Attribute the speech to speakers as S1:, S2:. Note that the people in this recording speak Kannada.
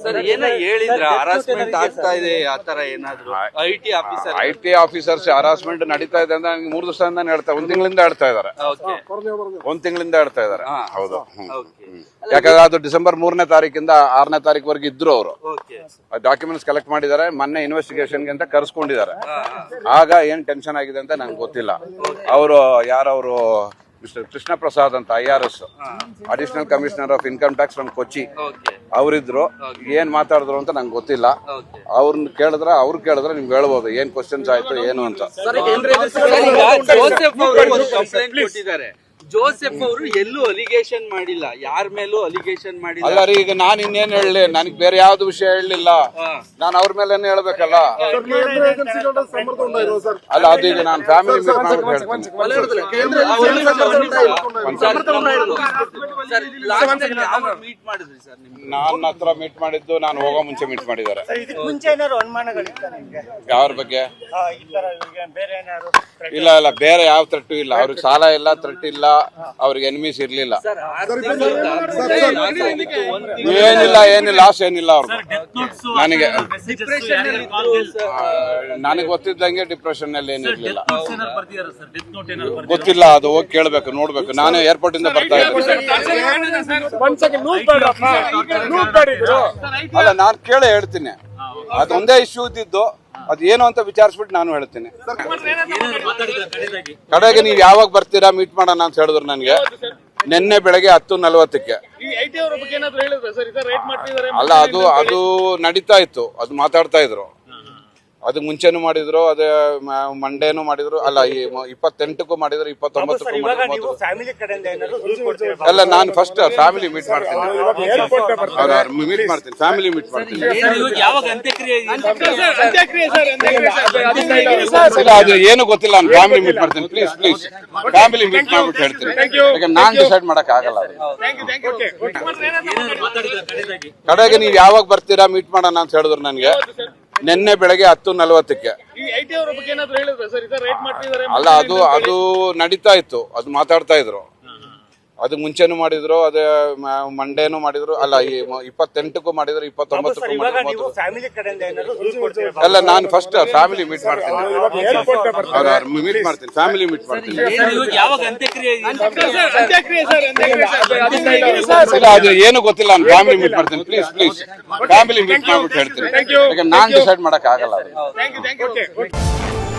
S1: ಸರ್ ಏನೋ ಹೇಳಿದ್ರ ಹರಾಸ್ಮೆಂಟ್ ಆಗ್ತಾ ಇದೆ ಆತರ ಏನಾದ್ರು
S2: ಐಟಿ ಆಫೀಸರ್ಸ್ ಹರಾಸ್ಮೆಂಟ್ ನಡೀತಾ ಇದೆ ಅಂತ ನನಗೆ 3 ದಿವಸದಿಂದ ಹೇಳ್ತಾ 1 ತಿಂಗಳಿಂದ ಹೇಳ್ತಾ ಇದಾರೆ. 1 ತಿಂಗಳಿಂದ ಹೇಳ್ತಾ ಇದಾರೆ. ಹೌದು. ಯಾಕಂದ್ರೆ ಅದು ಡಿಸೆಂಬರ್ 3ನೇ ತಾರೀಕಿಂದ 6ನೇ ತಾರೀಕುವರೆಗೆ ಇದ್ರು ಅವರು. ಡಾಕ್ಯುಮೆಂಟ್ಸ್ ಕಲೆಕ್ಟ್ ಮಾಡಿದ್ದಾರೆ. ಮೊನ್ನೆ ಇನ್ವೆಸ್ಟಿಗೇಷನ್ಗೆ ಅಂತ ಕರ್ಸ್ಕೊಂಡಿದ್ದಾರೆ. ಆಗ ಏನ್ ಟೆನ್ಷನ್ ಆಗಿದೆ ಅಂತ ನಂಗೆ ಗೊತ್ತಿಲ್ಲ. ಅವರು ಯಾರವರು ಮಿಸ್ಟರ್ ಕೃಷ್ಣ ಪ್ರಸಾದ್ ಅಂತ IRS additional commissioner of income tax from Kochi ಅವರಿದ್ರು. ಏನ್ ಮಾತಾಡಿದ್ರು ಅಂತ ನಂಗೆ ಗೊತ್ತಿಲ್ಲ. ಅವ್ರನ್ನ ಕೇಳಿದ್ರೆ ನಿಮ್ಗೆ ಹೇಳ್ಬೋದು ಏನ್ ಕ್ವಶನ್ಸ್ ಆಯ್ತು ಏನು ಅಂತ.
S1: ಜೋಸೆಫ್ ಅವರು ಎಲ್ಲೂ ಅಲಿಗೇಷನ್ ಮಾಡಿಲ್ಲ, ಯಾರ ಮೇಲೂ ಅಲಿಗೇಷನ್ ಮಾಡಿಲ್ಲ.
S2: ಅಲ್ಲ ರೀ, ಈಗ ನಾನು ಇನ್ನೇನ್ ಹೇಳಲಿ, ನನಗೆ ಬೇರೆ ಯಾವ್ದು ವಿಷಯ ಹೇಳಲಿಲ್ಲ. ನಾನು ಅವ್ರ ಮೇಲೆ ಹೇಳ್ಬೇಕಲ್ಲ. ಅಲ್ಲ, ಅದು ಈಗ ನಾನು ಫ್ಯಾಮಿಲಿ ಮೀಟ್ ಮಾಡ್ಬಿಟ್ಟು ನನ್ನ ಹತ್ರ ಮೀಟ್ ಮಾಡಿದ್ದು ನಾನು ಹೋಗೋ ಮುಂಚೆ ಮೀಟ್ ಮಾಡಿದ್ದಾರೆ. ಯಾವ್ರ ಬಗ್ಗೆ? ಇಲ್ಲ ಇಲ್ಲ, ಬೇರೆ ಯಾವ ಥ್ರೆಟ್ ಇಲ್ಲ. ಅವ್ರಿಗೆ ಸಾಲ ಇಲ್ಲ, ಥ್ರೆಟ್ ಇಲ್ಲ, ಅವ್ರಿಗೆ ಎನಿಮೀಸ್ ಇರ್ಲಿಲ್ಲ. ಏನಿಲ್ಲ ಲಾಸ್ ಏನಿಲ್ಲ ಅವ್ರಿಗೆ. ನನಗೆ ಗೊತ್ತಿದ್ದಂಗೆ ಡಿಪ್ರೆಷನ್ ಅಲ್ಲಿ ಏನಿರ್ಲಿಲ್ಲ. ಗೊತ್ತಿಲ್ಲ, ಅದು ಹೋಗಿ ಕೇಳ್ಬೇಕು, ನೋಡ್ಬೇಕು. ನಾನು ಏರ್ಪೋರ್ಟ್ ಇಂದ ಬರ್ತಾ ಇದ್ದೆ. ಅಲ್ಲ, ನಾನು ಕೇಳೇ ಹೇಳ್ತೀನಿ. ಅದೊಂದೇ ಇಶ್ಯೂ ಇದ್ದಿದ್ದು, ಅದು ಏನು ಅಂತ ವಿಚಾರಿಸ್ಬಿಟ್ಟು ನಾನು ಹೇಳ್ತೀನಿ. ಕಡೆಗೆ ನೀವು ಯಾವಾಗ ಬರ್ತೀರಾ ಮೀಟ್ ಮಾಡೋಣ ಅಂತ ಹೇಳಿದ್ರು ನನಗೆ. ನಿನ್ನೆ ಬೆಳಗ್ಗೆ 10:40ಕ್ಕೆ. ಅಲ್ಲ, ಅದು ನಡೀತಾ ಇತ್ತು, ಅದು ಮಾತಾಡ್ತಾ ಇದ್ರು. ಅದಕ್ಕೆ ಮುಂಚೆನೂ ಮಾಡಿದ್ರು, ಅದೇ ಮಂಡೇನು ಮಾಡಿದ್ರು. ಅಲ್ಲ, ಈ 28ಕ್ಕೂ ಮಾಡಿದ್ರು, 29ಕ್ಕೂ ಮಾಡಿದ್ರು. ಅಲ್ಲ, ನಾನು ಫಸ್ಟ್ ಫ್ಯಾಮಿಲಿ ಮೀಟ್ ಮಾಡ್ತೀನಿ. ಫ್ಯಾಮಿಲಿ ಮೀಟ್ ಮಾಡ್ತೀನಿ. ಇಲ್ಲ, ಅದು ಏನು ಗೊತ್ತಿಲ್ಲ. ನಾನು ಫ್ಯಾಮಿಲಿ ಮೀಟ್ ಮಾಡ್ತೀನಿ. ಪ್ಲೀಸ್ ಫ್ಯಾಮಿಲಿ ಮೀಟ್ ಮಾಡ್ಬಿಟ್ಟು ಹೇಳ್ತೀನಿ. ಈಗ ನಾನ್ ಡಿಸೈಡ್ ಮಾಡಕ್ ಆಗಲ್ಲ. ಕಡೆಗೆ ನೀವು ಯಾವಾಗ ಬರ್ತೀರಾ ಮೀಟ್ ಮಾಡೋಣ ಅಂತ ಹೇಳಿದ್ರು ನನಗೆ. ನಿನ್ನೆ ಬೆಳಗ್ಗೆ 10:40ಕ್ಕೆ. ಅಲ್ಲ, ಅದು ನಡೀತಾ ಇತ್ತು, ಅದು ಮಾತಾಡ್ತಾ ಇದ್ರು. ಅದಕ್ಕೆ ಮುಂಚೆನೂ ಮಾಡಿದ್ರು, ಅದೇ ಮಂಡೇನು ಮಾಡಿದ್ರು. ಅಲ್ಲ, ಈ 28ಕ್ಕೂ ಮಾಡಿದ್ರು, 29ಕ್ಕೂ ಮಾಡಿದ್ರು. ಅಲ್ಲ, ನಾನು ಫಸ್ಟ್ ಫ್ಯಾಮಿಲಿ ಮೀಟ್ ಮಾಡ್ತೀನಿ. ಫ್ಯಾಮಿಲಿ ಮೀಟ್ ಮಾಡ್ತೀನಿ. ಇಲ್ಲ, ಅದು ಏನು ಗೊತ್ತಿಲ್ಲ. ನಾನು ಫ್ಯಾಮಿಲಿ ಮೀಟ್ ಮಾಡ್ತೀನಿ. ಪ್ಲೀಸ್ ಫ್ಯಾಮಿಲಿ ಮೀಟ್ ಮಾಡ್ಬಿಟ್ಟು ಹೇಳ್ತೀನಿ. ಈಗ ನಾನ್ ಡಿಸೈಡ್ ಮಾಡಕ್ ಆಗಲ್ಲ.